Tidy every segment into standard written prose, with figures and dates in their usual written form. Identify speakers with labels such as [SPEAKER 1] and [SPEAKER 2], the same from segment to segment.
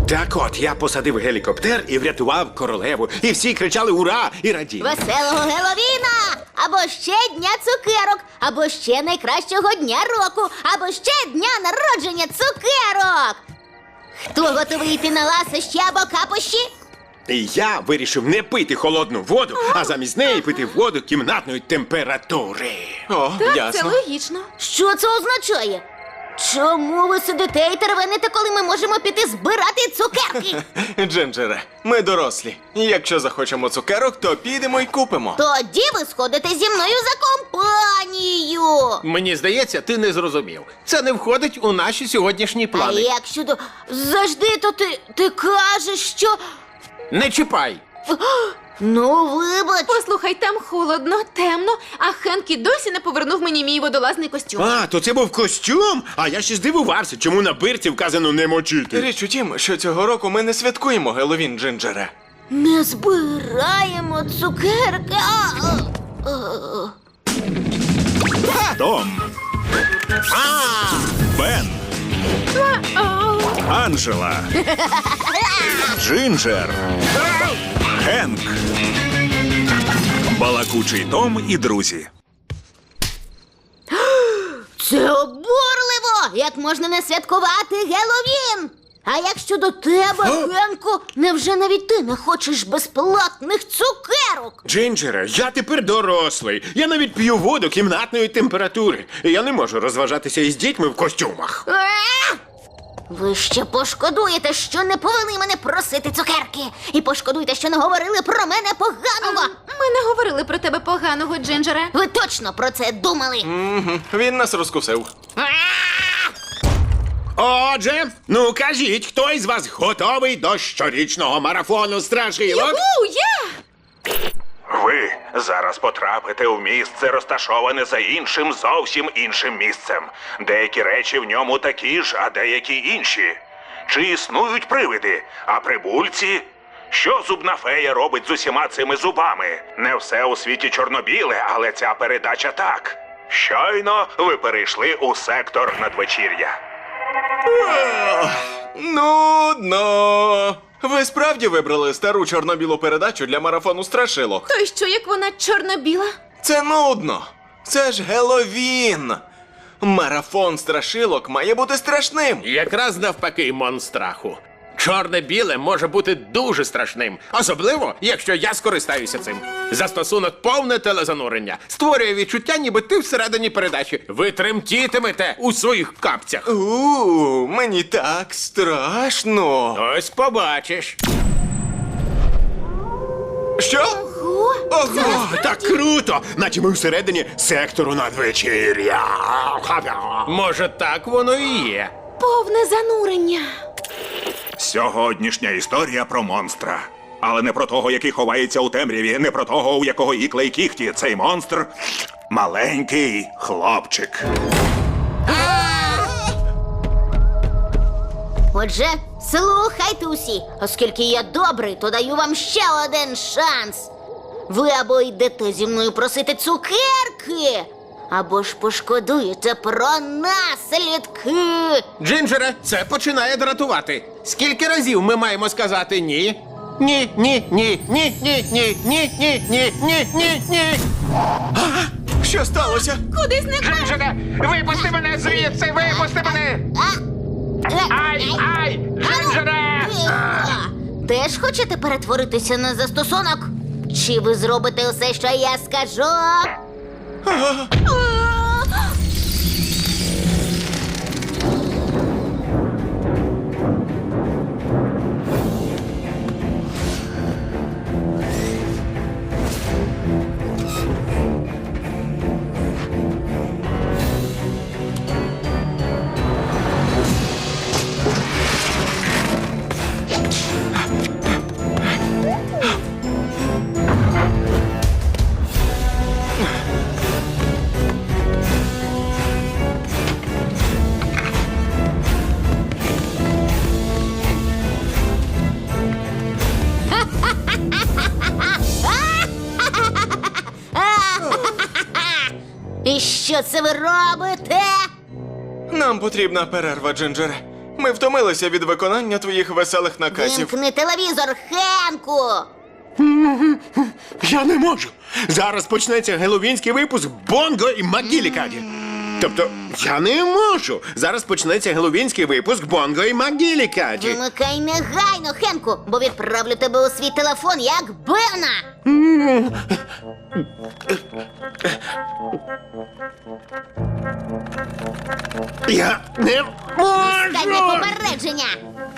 [SPEAKER 1] Так от, я посадив гелікоптер і врятував королеву. І всі кричали «Ура!» і раділи.
[SPEAKER 2] Веселого Геловіна! Або ще Дня цукерок, або ще найкращого дня року, або ще дня народження цукерок! Хто готовий йти на ласощі або капощі?
[SPEAKER 1] І я вирішив не пити холодну воду, а замість неї пити воду кімнатної температури.
[SPEAKER 3] О,
[SPEAKER 4] Так, це
[SPEAKER 3] ясно.
[SPEAKER 4] логічно.
[SPEAKER 2] Що це означає? Чому ви сидите і тервените, коли ми можемо піти збирати цукерки?
[SPEAKER 3] Джинджере, ми дорослі. Якщо захочемо цукерок, то підемо і купимо.
[SPEAKER 2] Тоді ви сходите зі мною за компанію.
[SPEAKER 5] Мені здається, ти не зрозумів. Це не входить у наші сьогоднішні
[SPEAKER 2] А
[SPEAKER 5] плани.
[SPEAKER 2] як щодо... Завжди, то ти кажеш, що...
[SPEAKER 5] Не чіпай!
[SPEAKER 2] Ну, вибач.
[SPEAKER 4] Послухай, там холодно, темно, а Хенкі досі не повернув мені мій водолазний костюм.
[SPEAKER 1] А, то це був костюм? А я ще здивувався, чому на бирці вказано не мочити.
[SPEAKER 3] Річ у тім, що цього року ми не святкуємо Геловін, Джинджере.
[SPEAKER 2] Не збираємо цукерки.
[SPEAKER 6] Том. Бен. Анджела. Джинджер. Хенк. Балакучий Том і друзі.
[SPEAKER 2] Це обурливо! Як можна не святкувати Геловін? А як щодо тебе, Хенку, невже навіть ти не хочеш безплатних цукерок?
[SPEAKER 1] Джинджере, я тепер дорослий. Я навіть п'ю воду кімнатної температури. І я не можу розважатися із дітьми в костюмах.
[SPEAKER 2] Ви ще пошкодуєте, що не повели мене просити цукерки. І пошкодуєте, що не говорили про мене поганого.
[SPEAKER 4] Ми не говорили про тебе поганого, Джинджере.
[SPEAKER 2] Ви точно про це думали?
[SPEAKER 3] Він нас розкусив.
[SPEAKER 1] Отже, ну кажіть, хто із вас готовий до щорічного марафону страшилок?
[SPEAKER 4] Я!
[SPEAKER 7] Ви зараз потрапите в місце, розташоване за іншим, зовсім іншим місцем. Деякі речі в ньому такі ж, а деякі інші. Чи існують привиди, а прибульці? Що зубна фея робить з усіма цими зубами? Не все у світі чорно-біле, але ця передача так. Щойно ви перейшли у сектор надвечір'я.
[SPEAKER 3] Нудно. Ви справді вибрали стару чорно-білу передачу для марафону страшилок?
[SPEAKER 4] То й що, як вона чорно-біла?
[SPEAKER 3] Це нудно. Це ж Геловін. Марафон страшилок має бути страшним.
[SPEAKER 5] Якраз навпаки, монстраху. Чорне-біле може бути дуже страшним. Особливо, якщо я скористаюся цим. Застосунок повне телезанурення. Створює відчуття, ніби ти всередині передачі. Ви тремтітимете у своїх капцях.
[SPEAKER 3] Мені так страшно.
[SPEAKER 5] Ось побачиш.
[SPEAKER 3] Що? Ого!
[SPEAKER 1] Так круто! Наче ми всередині сектору надвечір'я.
[SPEAKER 5] Може, так воно і є.
[SPEAKER 4] Повне занурення.
[SPEAKER 6] Сьогоднішня історія про монстра. Але не про того, який ховається у темряві, не про того, у якого ікла й кіхті. Цей монстр – маленький хлопчик.
[SPEAKER 2] Отже, слухайте усі, оскільки я добрий, то даю вам ще один шанс. Ви або йдете зі мною просити цукерки, або ж пошкодуєте про наслідки.
[SPEAKER 5] Джинджере, це починає дратувати. Скільки разів ми маємо сказати ні? Ні, ні, ні, ні, ні, ні, ні, ні, ні, ні, ні, ні.
[SPEAKER 3] Що сталося?
[SPEAKER 4] Куди зникла?
[SPEAKER 5] Джинджере, випусти мене звідси, випусти мене! Ай, ай, Джинджере!
[SPEAKER 2] Теж хочете перетворитися на застосунок? Чи ви зробите усе, що я скажу? І що це ви робите?
[SPEAKER 3] Нам потрібна перерва, Джинджере. Ми втомилися від виконання твоїх веселих наказів.
[SPEAKER 2] Вимкни телевізор, Хенку!
[SPEAKER 1] Я не можу. Зараз почнеться геловінський випуск Бонго і Макгілікаді. Тобто, я не можу. Зараз почнеться геловінський випуск Бонго і Макгілікаді.
[SPEAKER 2] Вимикай негайно, Хенку, бо відправлю тебе у свій телефон, як Бена!
[SPEAKER 1] Я не
[SPEAKER 2] Дай мне
[SPEAKER 1] можу!
[SPEAKER 2] попередження!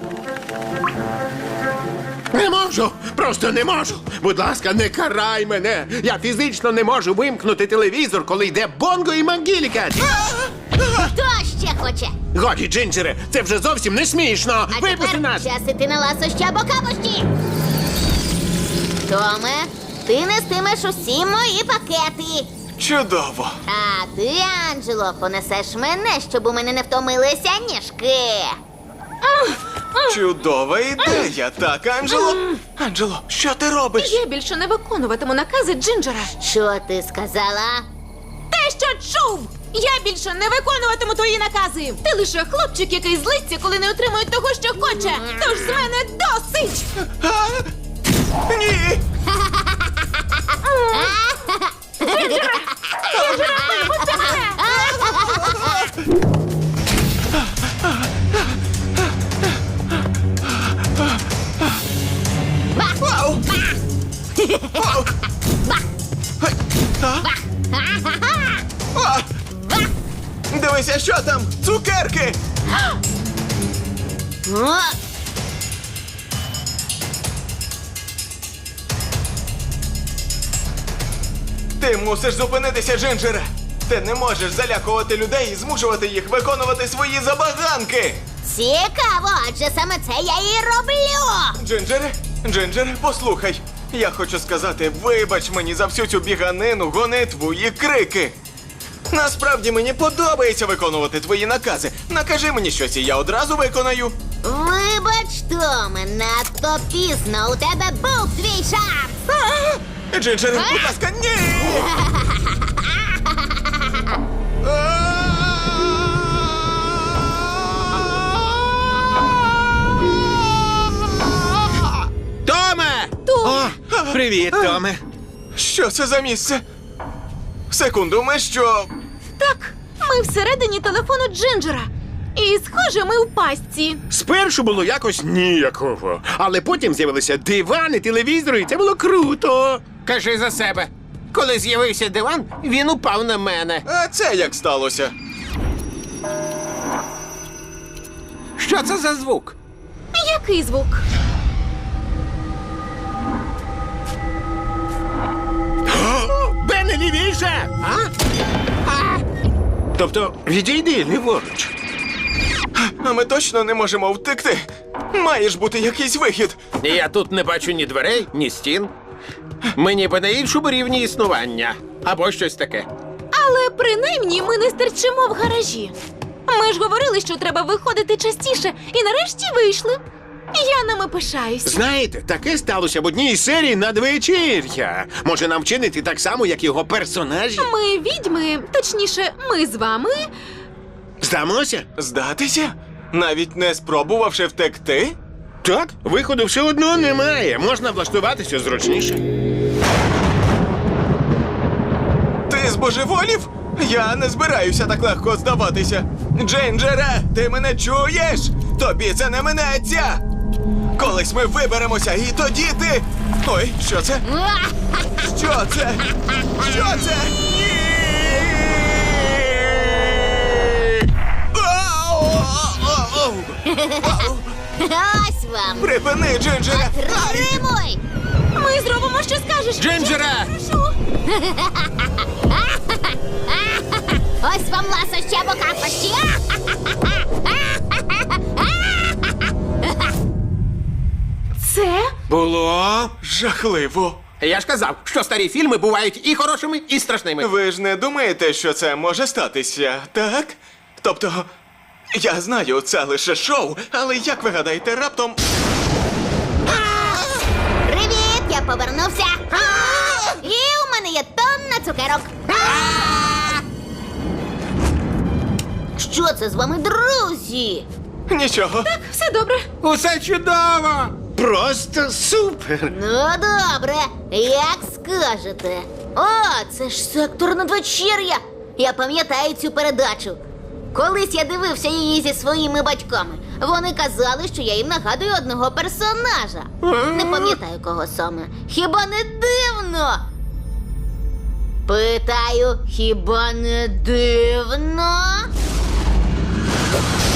[SPEAKER 1] Не можу! Просто не можу! Будь ласка, не карай мене! Я фізично не можу вимкнути телевізор, коли йде Бонго і Макгілікаді!
[SPEAKER 2] Хто ще хоче?
[SPEAKER 1] Годі, Джинджере, це вже зовсім не смішно!
[SPEAKER 2] А
[SPEAKER 1] Випусти
[SPEAKER 2] тепер
[SPEAKER 1] нас!
[SPEAKER 2] час іти на ласощі або капощі! Томе, ти нестимеш усі мої пакети!
[SPEAKER 3] Чудово.
[SPEAKER 2] А ти, Анджело, понесеш мене, щоб у мене не втомилися ніжки.
[SPEAKER 3] Чудова ідея, так, Анджело? Анджело, що ти робиш?
[SPEAKER 4] Я більше не виконуватиму накази Джинджера.
[SPEAKER 2] Що ти сказала?
[SPEAKER 4] Те, що чув! Я більше не виконуватиму твої накази! Ти лише хлопчик, який злиться, коли не отримує того, що хоче! Тож з мене досить!
[SPEAKER 3] А? Ні! Вау! Вау! Гей! А? А! Дивися, що там! Цукерки!
[SPEAKER 2] О,
[SPEAKER 3] Ти мусиш зупинитися, Джинджере! Ти не можеш залякувати людей і змушувати їх виконувати свої забаганки!
[SPEAKER 2] цікаво, адже саме це я і роблю.
[SPEAKER 3] Джинджере, Джинджере, послухай. Я хочу сказати, вибач мені за всю цю біганину, гонитву і крики. Насправді мені подобається виконувати твої накази. Накажи мені щось, і я одразу виконаю.
[SPEAKER 2] Вибач, Томе, надто пізно. У тебе був твій шанс.
[SPEAKER 3] Джинджере, будь ласка, ні!
[SPEAKER 1] Томе! О, привіт, Томе!
[SPEAKER 3] Що це за місце? Секунду, ми що?
[SPEAKER 4] Так, ми всередині телефону Джинджера. І, схоже, ми у пастці.
[SPEAKER 1] Спершу було якось ніяково, але потім з'явилися дивани, телевізори, і це було круто.
[SPEAKER 5] Кажи за себе. Коли з'явився диван, він упав на мене.
[SPEAKER 3] А це як сталося?
[SPEAKER 5] Що це за звук?
[SPEAKER 4] Який звук?
[SPEAKER 1] Бене, лівіше! Тобто, відійди ліворуч.
[SPEAKER 3] А ми точно не можемо втекти. Має ж бути якийсь вихід.
[SPEAKER 5] Я тут не бачу ні дверей, ні стін. Ми ніби на іншому рівні існування. Або щось таке.
[SPEAKER 4] Але принаймні ми не стерчимо в гаражі. Ми ж говорили, що треба виходити частіше, і нарешті вийшли. Я нами пишаюсь.
[SPEAKER 1] Знаєте, таке сталося в одній із серій надвечір'я. Може нам вчинити так само, як його персонажі?
[SPEAKER 4] Ми відьми, точніше, ми з вами.
[SPEAKER 1] Здамося?
[SPEAKER 3] Здатися? Навіть не спробувавши втекти?
[SPEAKER 1] Так, виходу все одно немає. Можна влаштуватися зручніше.
[SPEAKER 3] Ти збожеволів? Я не збираюся так легко здаватися. Джинджере, ти мене чуєш? Тобі це не минеться. Колись ми виберемося, і тоді ти. Ой, що це? Що це? Що це? Ні! Ау!
[SPEAKER 2] Ось вам.
[SPEAKER 3] Припини, Джинджере!
[SPEAKER 2] Тримуй.
[SPEAKER 4] Ми зробимо, що скажеш.
[SPEAKER 5] Джинджере!
[SPEAKER 4] Прошу.
[SPEAKER 2] Ось вам ласощі або капощі.
[SPEAKER 4] Це?
[SPEAKER 1] Було.
[SPEAKER 3] Жахливо.
[SPEAKER 5] Я ж казав, що старі фільми бувають і хорошими, і страшними.
[SPEAKER 3] Ви ж не думаєте, що це може статися, так? Тобто, я знаю, це лише шоу, але як ви гадаєте, раптом.
[SPEAKER 2] Привіт, я повернувся. І у мене є тонна цукерок. Що це з вами, друзі?
[SPEAKER 3] Нічого.
[SPEAKER 4] Все добре.
[SPEAKER 5] Усе чудово!
[SPEAKER 1] Просто супер!
[SPEAKER 2] Ну, добре, як скажете. О, це ж сектор надвечір'я. Я пам'ятаю цю передачу. Колись я дивився її зі своїми батьками. Вони казали, що я їм нагадую одного персонажа. Не пам'ятаю, кого саме. Хіба не дивно? Питаю, хіба не дивно?